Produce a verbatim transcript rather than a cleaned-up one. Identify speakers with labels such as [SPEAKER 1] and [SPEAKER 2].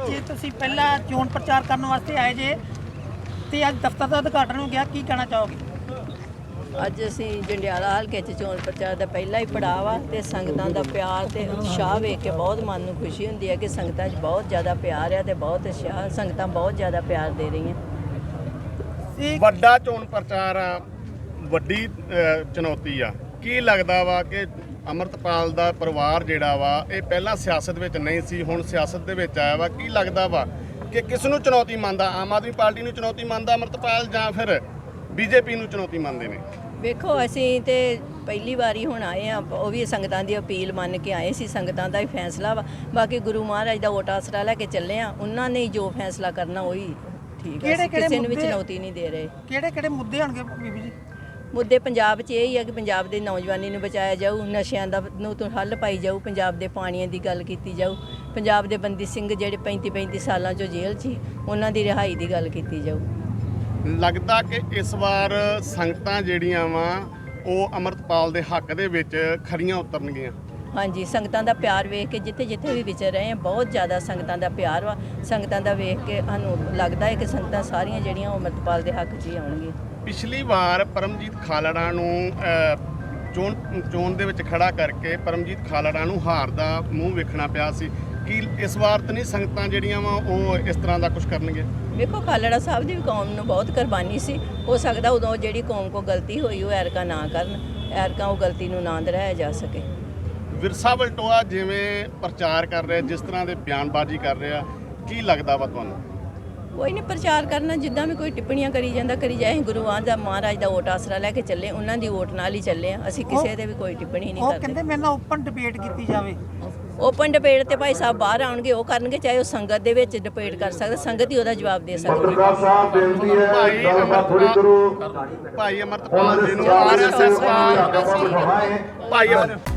[SPEAKER 1] ਅੱਜ ਤੁਸੀਂ ਪਹਿਲਾ ਚੋਣ ਪ੍ਰਚਾਰ ਕਰਨ ਵਾਸਤੇ ਆਏ ਜੇ ਤੇ ਅੱਜ ਦਫ਼ਤਰ ਦਾ ਉਦਘਾਟਨ ਹੋ ਗਿਆ, ਕੀ ਕਹਿਣਾ ਚਾਹੋਗੇ?
[SPEAKER 2] ਅੱਜ ਅਸੀਂ ਜੰਡਿਆਲਾ ਹਲਕੇ 'ਚ ਚੋਣ ਪ੍ਰਚਾਰ ਦਾ ਪਹਿਲਾ ਹੀ ਪੜਾਅ ਵਾ ਤੇ ਸੰਗਤਾਂ ਦਾ ਪਿਆਰ ਤੇ ਉਤਸ਼ਾਹ ਵੇਖ ਕੇ ਬਹੁਤ ਮਨ ਨੂੰ ਖੁਸ਼ੀ ਹੁੰਦੀ ਹੈ ਕਿ ਸੰਗਤਾਂ 'ਚ ਬਹੁਤ ਜ਼ਿਆਦਾ ਪਿਆਰ ਆ ਤੇ ਬਹੁਤ ਉਤਸ਼ਾਹ, ਸੰਗਤਾਂ ਬਹੁਤ ਜ਼ਿਆਦਾ ਪਿਆਰ ਦੇ ਰਹੀਆਂ।
[SPEAKER 3] ਵੱਡਾ ਚੋਣ ਪ੍ਰਚਾਰ ਆ, ਵੱਡੀ ਅ, ਚੁਣੌਤੀ ਆ। ਕੀ ਲੱਗਦਾ ਵਾ ਕਿ ਅੰਮ੍ਰਿਤਪਾਲ ਦਾ ਪਰਿਵਾਰ ਜਿਹੜਾ ਵਾ ਇਹ ਪਹਿਲਾਂ ਸਿਆਸਤ ਵਿੱਚ ਨਹੀਂ ਸੀ, ਹੁਣ ਸਿਆਸਤ ਦੇ ਵਿੱਚ ਆਇਆ ਵਾ। ਕੀ ਲੱਗਦਾ ਵਾ ਕਿ ਕਿਸ ਨੂੰ ਚੁਣੌਤੀ ਮੰਨਦਾ? ਆਮ ਆਦਮੀ ਪਾਰਟੀ ਨੂੰ ਚੁਣੌਤੀ ਮੰਨਦਾ ਅੰਮ੍ਰਿਤਪਾਲ ਜਾਂ ਫਿਰ ਬੀਜੇਪੀ ਨੂੰ ਚੁਣੌਤੀ ਮੰਨਦੇ ਨੇ?
[SPEAKER 2] ਵੇਖੋ ਅਸੀਂ ਤੇ ਪਹਿਲੀ ਵਾਰੀ ਹੁਣ ਆਏ ਆ, ਉਹ ਵੀ ਸੰਗਤਾਂ ਦੀ ਅਪੀਲ ਮੰਨ ਕੇ ਆਏ ਸੀ, ਸੰਗਤਾਂ ਦਾ ਹੀ ਫੈਸਲਾ ਵਾ। ਬਾਕੀ ਗੁਰੂ ਮਹਾਰਾਜ ਦਾ ਵੋਟ ਆਸਰਾ ਲੈ ਕੇ ਚੱਲੇ ਆ, ਉਹਨਾਂ ਨੇ ਜੋ ਫੈਸਲਾ ਕਰਨਾ ਉਹੀ ਠੀਕ ਹੈ। ਕਿਸੇ ਨੂੰ ਵੀ ਚੁਣੌਤੀ ਨਹੀਂ ਦੇ ਰਹੇ।
[SPEAKER 1] ਕਿਹੜੇ ਕਿਹੜੇ ਮੁੱਦੇ ਹੋਣਗੇ ਬੀਬੀ ਜੀ?
[SPEAKER 2] ਮੁੱਦੇ ਪੰਜਾਬ 'ਚ ਇਹ ਹੀ ਆ ਕਿ ਪੰਜਾਬ ਦੇ ਨੌਜਵਾਨੀ ਨੂੰ ਬਚਾਇਆ ਜਾਊ, ਨਸ਼ਿਆਂ ਦਾ ਨੂੰ ਤੋਂ ਹੱਲ ਪਾਈ ਜਾਊ, ਪੰਜਾਬ ਦੇ ਪਾਣੀਆਂ ਦੀ ਗੱਲ ਕੀਤੀ ਜਾਊ, ਪੰਜਾਬ ਦੇ ਬੰਦੀ ਸਿੰਘ ਜਿਹੜੇ ਪੈਂਤੀ ਪੈਂਤੀ ਸਾਲਾਂ 'ਚੋਂ ਜੇਲ੍ਹ 'ਚ ਉਹਨਾਂ ਦੀ ਰਿਹਾਈ ਦੀ ਗੱਲ ਕੀਤੀ ਜਾਊ।
[SPEAKER 3] ਲੱਗਦਾ ਕਿ ਇਸ ਵਾਰ ਸੰਗਤਾਂ ਜਿਹੜੀਆਂ ਵਾ ਉਹ ਅੰਮ੍ਰਿਤਪਾਲ ਦੇ ਹੱਕ ਦੇ ਵਿੱਚ ਖਰੀਆਂ ਉਤਰਨਗੀਆਂ।
[SPEAKER 2] ਹਾਂਜੀ, ਸੰਗਤਾਂ ਦਾ ਪਿਆਰ ਵੇਖ ਕੇ ਜਿੱਥੇ ਜਿੱਥੇ ਵੀ ਵਿਚਰ ਰਹੇ ਆ ਬਹੁਤ ਜ਼ਿਆਦਾ ਸੰਗਤਾਂ ਦਾ ਪਿਆਰ ਵਾ। ਸੰਗਤਾਂ ਦਾ ਵੇਖ ਕੇ ਸਾਨੂੰ ਲੱਗਦਾ ਹੈ ਕਿ ਸੰਗਤਾਂ ਸਾਰੀਆਂ ਜਿਹੜੀਆਂ ਉਹ ਅੰਮ੍ਰਿਤਪਾਲ ਦੇ ਹੱਕ 'ਚ ਹੀ ਆਉਣਗੀਆਂ।
[SPEAKER 3] ਪਿਛਲੀ ਵਾਰ ਪਰਮਜੀਤ ਖਾਲੜਾ ਨੂੰ ਅ, ਚੋਣ ਚੋਣ ਦੇ ਵਿੱਚ ਖੜਾ ਕਰਕੇ ਪਰਮਜੀਤ ਖਾਲੜਾ ਨੂੰ ਹਾਰ ਦਾ ਮੂੰਹ ਵੇਖਣਾ ਪਿਆ ਸੀ। ਕੀ ਇਸ ਵਾਰ ਤਾਂ ਨਹੀਂ ਸੰਗਤਾਂ ਜਿਹੜੀਆਂ ਵਾ ਉਹ ਇਸ ਤਰ੍ਹਾਂ ਦਾ ਕੁਝ ਕਰਨਗੇ?
[SPEAKER 2] ਵੇਖੋ, ਖਾਲੜਾ ਸਾਹਿਬ ਦੀ ਵੀ ਕੌਮ ਨੂੰ ਬਹੁਤ ਕੁਰਬਾਨੀ ਸੀ। ਹੋ ਸਕਦਾ ਉਦੋਂ ਜਿਹੜੀ ਕੌਮ ਕੋ ਗਲਤੀ ਹੋਈ ਉਹ ਐਰਕਾ ਨਾ ਕਰਨ, ਐਰਕਾ ਉਹ ਗਲਤੀ ਨੂੰ ਨਾ ਦੁਹਰਾਇਆ ਜਾ ਸਕੇ।
[SPEAKER 3] ਵਿਰਸਾ ਵਲਟੋਆ ਜਿਵੇਂ ਪ੍ਰਚਾਰ ਕਰ ਰਿਹਾ, ਜਿਸ ਤਰ੍ਹਾਂ ਦੇ ਬਿਆਨਬਾਜ਼ੀ ਕਰ ਰਿਹਾ, ਕੀ ਲੱਗਦਾ ਵਾ ਤੁਹਾਨੂੰ?
[SPEAKER 2] ਕੋਈ ਨਹੀਂ, ਪ੍ਰਚਾਰ ਕਰਨਾ ਜਿੱਦਾਂ ਵੀ ਕੋਈ ਟਿੱਪਣੀਆਂ ਕਰੀ ਜਾਂਦਾ ਕਰੀ ਜਾਏ। ਗੁਰੂਆਂ ਦਾ ਮਹਾਰਾਜ ਦਾ ਵੋਟ ਆਸਰਾ ਲੈ ਕੇ ਚੱਲੇ, ਉਹਨਾਂ ਦੀ ਵੋਟ ਨਾਲ ਹੀ ਚੱਲੇ ਆ ਅਸੀਂ, ਕਿਸੇ ਦੇ ਵੀ ਕੋਈ ਟਿੱਪਣੀ ਨਹੀਂ
[SPEAKER 1] ਉਹ
[SPEAKER 2] ਕਰਦੇ।
[SPEAKER 1] ਕਹਿੰਦੇ ਮੇਰੇ ਨਾਲ ਓਪਨ ਡਿਬੇਟ ਕੀਤੀ ਜਾਵੇ।
[SPEAKER 2] ਓਪਨ ਡਿਬੇਟ ਤੇ ਭਾਈ ਸਾਹਿਬ ਬਾਹਰ ਆਉਣਗੇ ਉਹ ਕਰਨਗੇ, ਚਾਹੇ ਉਹ ਸੰਗਤ ਦੇ ਵਿੱਚ ਡਿਬੇਟ ਕਰ ਸਕਦਾ, ਸੰਗਤ ਹੀ ਉਹਦਾ ਜਵਾਬ ਦੇ ਸਕਦੀ।
[SPEAKER 4] ਪੱਤਰਕਾਰ ਸਾਹਿਬ ਬੇਨਤੀ ਹੈ
[SPEAKER 3] ਭਾਈ
[SPEAKER 4] ਗੱਲਬਾਤ ਥੋੜੀ ਕਰੋ।
[SPEAKER 3] ਭਾਈ ਅਮਰਤਪਾਲ ਜੀ ਨੂੰ ਆਰ ਐਸ ਐਸ ਦਾ ਭਾਈ ਅਮਰ